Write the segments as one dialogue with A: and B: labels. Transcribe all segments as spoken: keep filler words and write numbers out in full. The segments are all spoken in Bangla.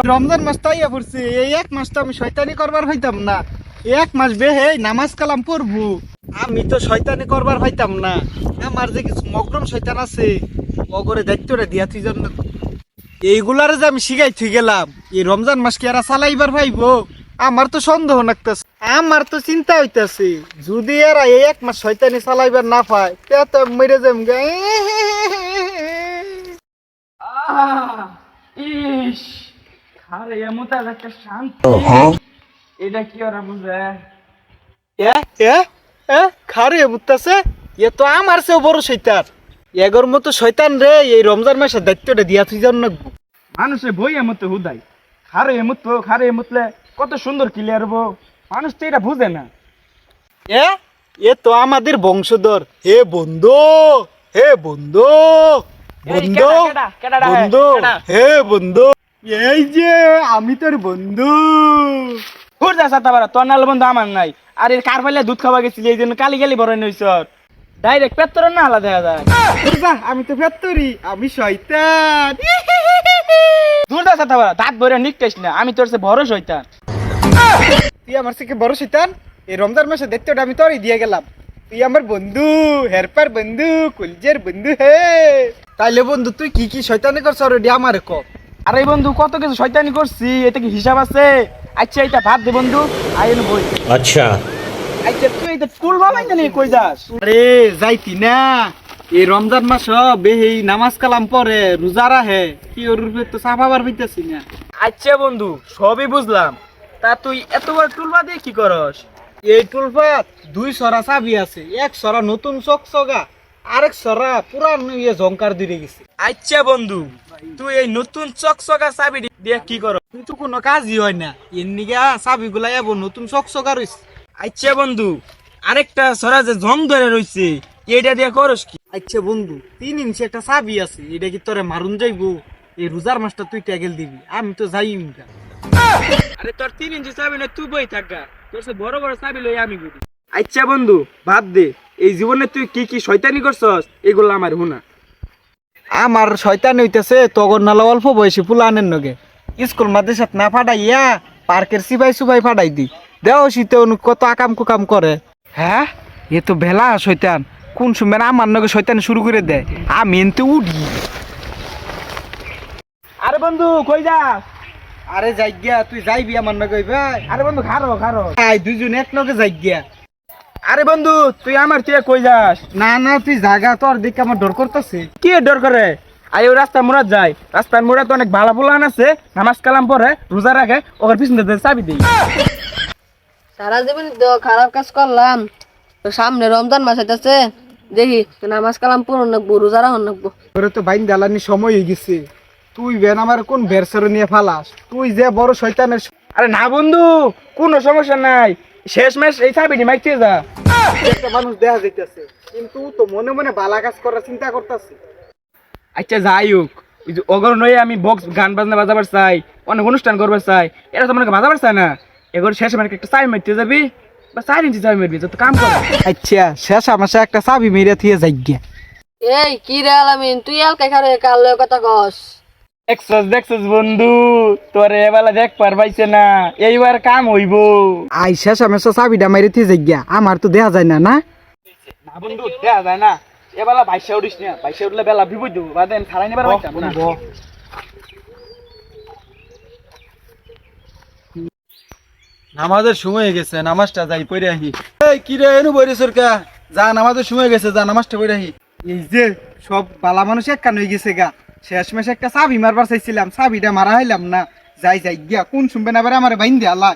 A: রমজান মাস তাইয়া পড়ছে, এই এক মাস তো আমি শয়তানি করবার হইতাম না। এক মাস বেহে নামাজ কালাম পড়বো, আমি তো শয়তানি করবার হইতাম না। আমার যে কিছু মগরম শয়তান আছে অগরে দায়িত্বটা দিয়া তুই জন্য এইগুলারে যে আমি শিখাই থুই গেলাম, এই রমজান মাস কি এরা চালাইবার ভাইবো? আমার তো সন্দেহ লাগতেছে, আমার তো চিন্তা হইতাছে যদি এরা এই এক মাস শয়তানি চালাইবার না পায় তে তো মরে যাম গে।
B: আহ ইস আরে এমতা একটা শান্তি এটা কি ওরা বুঝে
A: এ এ এ খারে বুঝতাছে, এ তো আমার চেয়েও বড় শয়তান। এগোর মতো শয়তান রে এই রমজান মাসের দায়িত্বটা দিয়া তুই জান না।
B: মানুষের বই এমতো হুদাই খারে এমত খারে এমতলে কত সুন্দর ক্লিয়ার হবো, মানুষ তো এটা বুঝে না।
A: এ এ তো আমাদের বংশধর। হে বন্ধু, হে বন্ধু, বন্ধু,
B: কেডা, কেডা, কেডা,
A: বন্ধু,
B: কেডা?
A: হে বন্ধু, এই যে আমি তোর বন্ধু।
B: হুর যা সাতা বারা তোর নাল বন্ধু আমার নাই। আর এর কার ফাইলে দুধ খাওয়া গেছিলি এই জন্য কালি গালি বড় নইছ ডাইরেক্ট পেত্তর না আলাদা দেখা যায়।
A: যা, আমি তো ফেত্তরি, আমি শয়তান।
B: দূর যা সাতা বারা দাঁত ভরে নিকটাইস না, আমি তোর সে বড় শয়তান।
A: তুই আমার থেকে বড় শয়তান। এই রমজান মাসের দায়িত্বটা আমি তোরই দিয়ে গেলাম। তুই আমার বন্ধু, হেরপার বন্ধু, কুলজের বন্ধু। হে তাইলে বন্ধু তুই কি কি শয়তানি করছ অলরেডি আমার ক।
B: আরে বন্ধু কত কিছু শয়তানি করছি, এটা কি হিসাব আছে? আচ্ছা এটা ভাত দে বন্ধু, আইন বই।
C: अच्छा
B: আচ্ছা তুই এটা ফুল বানাই জানি কই যাস?
A: আরে যাইতি না, এই রমজান মাস বেহি নামাজ কালাম পরে রোজা রাহে, কি ওর রূপে তো সাফাবার হইতেছি না।
B: আচ্ছা বন্ধু সবই বুঝলাম, তা তুই এত বড় টুলবা দিয়ে কি করস?
A: এই টুলপাত দুই সরা চাবি আছে, এক সরা নতুন চকচকা, আরেক সরা পুরান ইয়ে জংকার দিয়ে গেছে।
B: আচ্ছা বন্ধু তুই এই নতুন চকচকা চাবি দিয়ে কি কর?
A: কিন্তু কোনো কাজই হয় না, এমনি গা চাবি গুলা এবার নতুন চকচকা রয়েছে।
B: আচ্ছা বন্ধু আরেকটা সরা যে জং ধরে রইছে এইটা দিয়ে করস কি?
A: আচ্ছা বন্ধু, তিন ইঞ্চি একটা চাবি আছে, এটা কি তোরে মারুন যাইবো? এই রোজার মাসটা তুই ট্যাগেল দিবি, আমি তো যাই না।
B: আরে তোর তিন ইঞ্চি চাবি না তুই বই থাকা, তোর সে বড় বড় চাবি লই আমি গুলি। আচ্ছা বন্ধু বাদ দে, এই জীবনে তুই কি কি শয়তানি করছস এগুলো আমার হুনা।
A: আমার শয়তান হইতেছে তগর নালা অল্প বয়সী পুলানের নগে স্কুল মাদ্রাসাত না ফাটাইয়া পার্কের সিপাই সুপাই ফাটাই দি দেও শীতে কত আকাম কুকাম করে। হ্যাঁ এ তো ভেলা শয়তান, কোন সময় আমার নগে শয়তান শুরু করে দেয়, আমি এনতে উঠি।
B: আরে বন্ধু কই যাস?
A: আরে যাই গিয়া, তুই যাইবি আমার নগে ভাই?
B: আরে বন্ধু খারো খারো।
A: আই দুজন এক নগে যাই গিয়া।
B: আরে বন্ধু তুই আমার তুই কই যাস?
A: না না তুই জায়গা, তোর দিকে আমার ডর করতেছে।
B: কি ডর করে? আই ও রাস্তা মোড়াত যায়, রাস্তার মোড়াত অনেক ভালো পোলান আছে, নামাজ কালাম পরে রোজা রাখে, ওর পিছনে দিয়ে চাবি দেই।
D: সারা জীবন তো খারাপ কাজ করলাম, তো সামনে রমজান মাস আছে, দেখি নামাজ কালাম পূরণ নাকবো, রোজা রাখুন নাকবো।
A: তোরে তো বাইন দালানি সময় হয়ে গেছে, তুই বেন আমার কোন বেরসর নিয়ে ফালাস? তুই যে বড় শয়তানের।
B: আরে না বন্ধু কোনো সমস্যা নাই, শেষ মেশ এই চাবিটি মাইতে যা।
A: একটা মানুষ দেখা যাইতেছে কিন্তু তো মনে মনে বালা কাজ করার চিন্তা করতেছে।
B: আচ্ছা যাই হোক, ওই যে অগর নয়ে আমি বক্স গান বাজনা বাজাবার চাই, অনেক অনুষ্ঠান করবার চাই, এটা তো মনে বাজাবার চাই না। এগর শেষ মানে একটা চাবি মারতে যাবি বা চার ইঞ্চি চাবি মারবি, যত কাম কর।
A: আচ্ছা শেষ আমাশে একটা চাবি মেরে থিয়ে যাই গিয়া।
D: এই কি রে আলামিন, তুই আলকা খারে কাল লয় কথা কস?
B: দেখছস দেখছস বন্ধু, তোরে এবেলা দেখ পারবাইছে না, এইবার কাম হইব।
A: আই শেষ আমাশে চাবিটা মেরে থিয়ে যাই গিয়া, আমার তো দেখা যায় না। না
B: না বন্ধু দেখা যায় না, এবেলা বাইশে উঠিস না, বাইশে উঠলে বেলা বিপদ দেবো, বাদে আমি ছাড়াই নেবার পাইতাম না।
A: নামাজের সময় হয়ে গেছে, নামাজটা যাই পড়ে আহি। এই কি রে এনু বইরে সরকা, যা নামাজের সময় হয়ে গেছে, যা নামাজটা পড়ে আহি। এই যে সব বালা মানুষ এক কান হয়ে গেছে গা, শেষ মাসে একটা চাবি মারবার চাইছিলাম, চাবিটা মারা হইলাম না। যাই যাই গিয়া, কোন শুনবে না আমার বাইন দিয়ে আল্লাহ।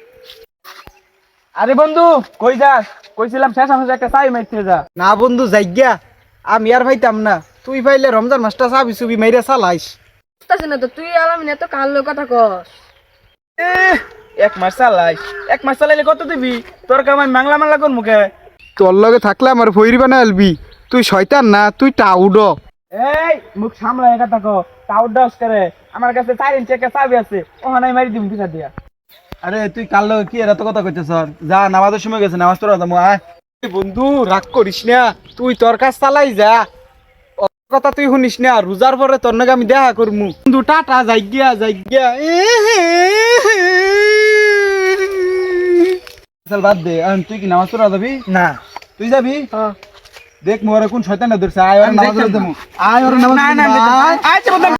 B: আরে বন্ধু কই যাস? কইছিলাম শেষ আমাকে একটা চাবি মারতে যা।
A: না বন্ধু যাই গিয়া, আমি আর ভাইতাম না, তুই ভাইলে রমজান মাসটা চাবি চুবি মাইরা চালাইস।
D: বুঝতাছি না তো, তুই আলামিন এত কাল লয় কথা কস?
B: এহ, এক মাস চালাই, এক মাস চালাইলে কত দিবি? তোর কাম আমি মাংলা মাংলা কোন মুখে?
A: তোর লগে থাকলে আমার ফইরি বানা আলবি, তুই শয়তান না, তুই টাউড।
B: এই মুখ সামলা এটা থাকো, টাউট ডাউস করে। আমার কাছে চার ইঞ্চি একটা চাবি আছে, ওখানে মারি দিম পিছা দিয়া।
A: আরে তুই কাল লগে কি এত কথা কইতেছ? যা নামাজের সময় গেছে, নামাজ পড়া যাবো। আয় বন্ধু রাগ করিস না, তুই তোর কাজ চালাই যা, কথা তুই শুনিস না, রোজার পরে তোর নাকি আমি দেখা করমু। বন্ধু টাটা, যাই গিয়া যাই গিয়া।
B: চল বাদ দে, এখন তুই কি নামাজ পড়া যাবি?
A: না
B: তুই যাবি?
D: হ্যাঁ
B: দেখ মোরে কোন শয়তানটা ধরছে, আয় ওর
A: আমি
B: নামাজ
A: দেখতাম
B: পড়তে
A: না।
B: মু। আয় ওর নামাজ
A: না, না,
B: পড়তে মু,
A: না,
B: আয়।
A: আচ্ছা, বন্ধু।